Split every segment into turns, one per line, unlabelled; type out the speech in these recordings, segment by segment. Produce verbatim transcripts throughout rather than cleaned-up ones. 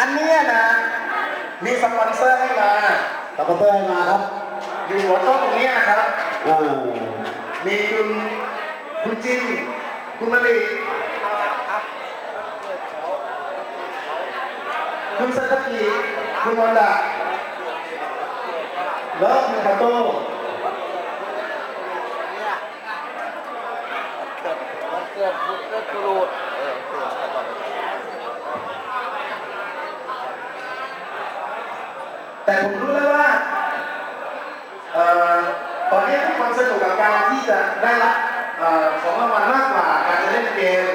อันเนี้ยนะมีสปอนเซอร์ให้มา
สปอนเซอร์ให้มาครับ
อยู่หัวโต๊ะตรงนี้นะครับ
อ่า
มีคุณคุณจินคุณมะลิคุณสัตกีคุณวันดาแล้วคุณคาโต้
มันเกิดมันเกิดกรูดเออเกิดตลอด
แต่ผมรู้แล้วว่าเอ่อตอนนี้ทุกคนสนุกกับการที่จะได้รับเอ่อของรางวัลมากกว่าการจะเล่นเกม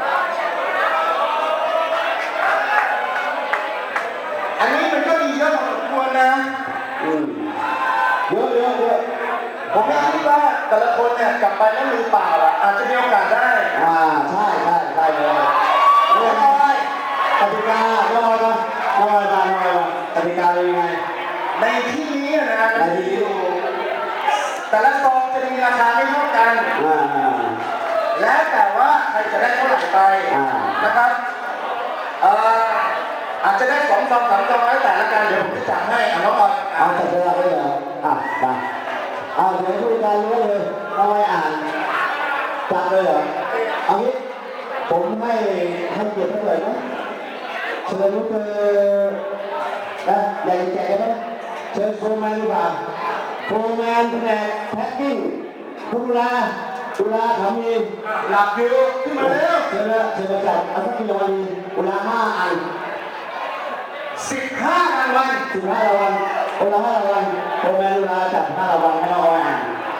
อันนี้มันก็มีเยอะพอสมควรนะ
อืมเยอะเยอะเยอะ
ผมไม่คิดว่าแต่ละคนเนี่ยกลับไปแล้วมือเปล่าอ่ะอาจจะมีโอกาสได้
อ่าใช่ใช่ใช่เลยเรื่องอะไรกติกาเรื่องอะไรกันเรื่องอะไรกันเรื่องอะไรกันกติกาเป็นยังไง
ในที่นี้นะในที่อยู่แต่ละซองจะมีราคาไม่เท่ากัน
อ่า
แล้วแต่ว่าใครจะได้เท่าไหร่ไปนะครับเอ่ออาจจะได้สองซองสามซองแล้วแต่ละกันเดี๋ยวผมจะจัดให้เอาน้องออย
เอาจัดเวลาไว้เลยอ่ะมาเอาเดี๋ยวผู้การรู้เลยเอาไว้อ่านจัดเลยเหรอเอางี้ผมให้ให้เกียรติเท่าไหร่นะเชิญลูกเธอนะใหญ่แก่ไหมเชิญโฟร์แมนดีกว่าโฟร์แมนแผนกแพ็คกิ้งตุลาตุลาทำเอง
หลับอยู่ขึ้นมาแล้ว
เชิญนะเชิญมาจัดเอาสักกี่รางวัลตุลาห้าอัน
สิบห้ารางวัล
สิบห้ารางวัลคนละห้ารางวัลโฟร์แมนตุลาจัดห้ารางวัลให้น้องออยอ่าน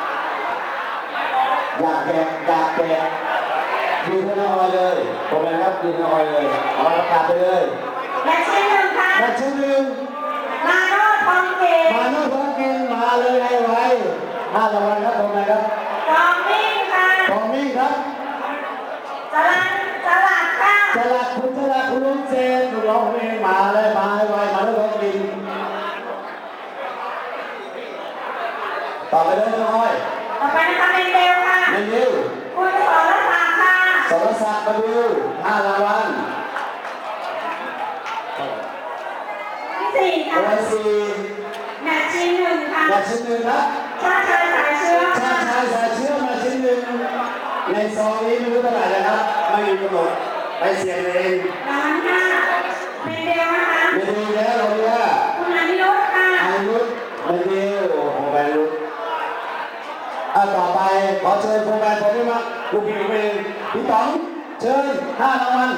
อยากแจกอยากแจกยืนให้น้องออยเลยโฟร์แมนครับยืนให้น้องออยเลยเอาประกาศไปเลย
แมตช์ที่หนึ่งค่ะ
แมตช์ที่หนึ่ง
มาโน่ทองเกต
มาโน่ทองเกตมาเลยให้ไวห้ารางวัลครับโฟร์แมนครับ
ทองมิ่งค่ะ
ทองมิ่งครับ
จรันจรัดค่ะ
จรัดคุณจรัดคุณลุงเจนคุณร้องเพลงมาเลยมาให้ไวมาโน่ทองเกตต่อไปเลยน้องอ้อย
ต่อไปนะคะเมนเดลค่ะ
เมนเดล
คุณสรศักดิ์ค่ะ
สรศักดิ์มาดูห้ารางวัล
ที่สี่ค่ะ
วันสี่
แมตช์ที่หนึ่งค่ะ
แมตช์ที่หนึ่งครับ
ชาติชายสายเชื้อ
ชาติชายสายเชื้อแมตช์ที่หนึ่งในซองนี้ไม่รู้เท่าไหร่นะครับไม่มีกำหนดไปเสียงเอง
รางวัลห้าเมนเดลนะคะ
เมนเดลแล้วเราเนี่ย
คุณอานิรุธค่ะ
อานิรุธเมนเดลโอ้โหแบนรุธอ่ะต่อไปขอเชิญโฟร์แมนผมด้วยมั้งลูกพี่ผมเองพี่ต๋องเชิญห้ารางวัล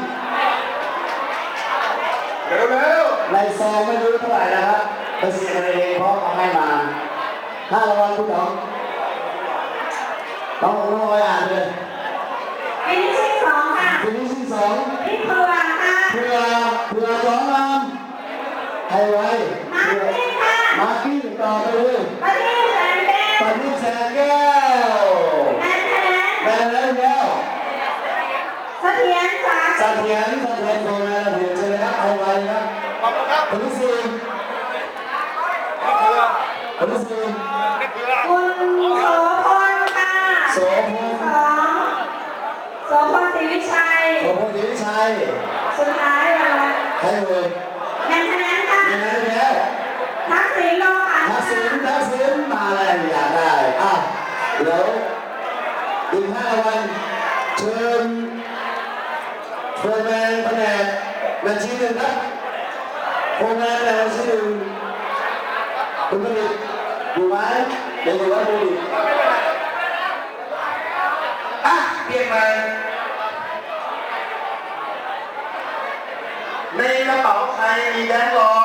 เร็วเร็ว
ในซองไม่รู้เท่าไหร่นะครับไปเสียงเองเพราะเอาให้มาห้ารางวัลพี่ต๋องต้องต้องไว้อ่านเลย
ฟินิชชิ่งสองค่ะ
ฟินิชชิ่งสอง
พี่เผือกค่ะ
เพื่อเพื่อสองลำให้ไว้
มาร์กิ้งค่ะ
มาร์กิ้งต่อไปเลย
ปารีสแสนแก้ว
ปารีสแสนแก้ว
แอนแทน
แบนแล้วแล้ว
เสถียรสา
เสถียรเสถียรโดนแล้วเถียรเจอแล้วให้ไว้ครับ
ขอบคุณครับ
คนที่สี่คนที่สี่
คุณโสพลค่ะ
โสพล
สองโสพลศรีวิชัย
โสพลศรีวิชัย
สุดท้ายเลย
ให้เลย
แมนเทนแนนค่ะ
แมนเทนแนน
ทักษิณโลหะ
ทักษิณทักษิณมาแล้วอยากได้อ่ะเดี๋ยวอีกห้าวันเชิญโฟร์แมนแผนกบัญชีหนึ่งครับโฟร์แมนแผนกบัญชีหนึ่งคุณผลิตอยู่ไหมเดี๋ยวอยู่ว่าผลิต
อ่ะเปลี่ยนใหม่ในกระเป๋าใครมีแบงค์ร้อ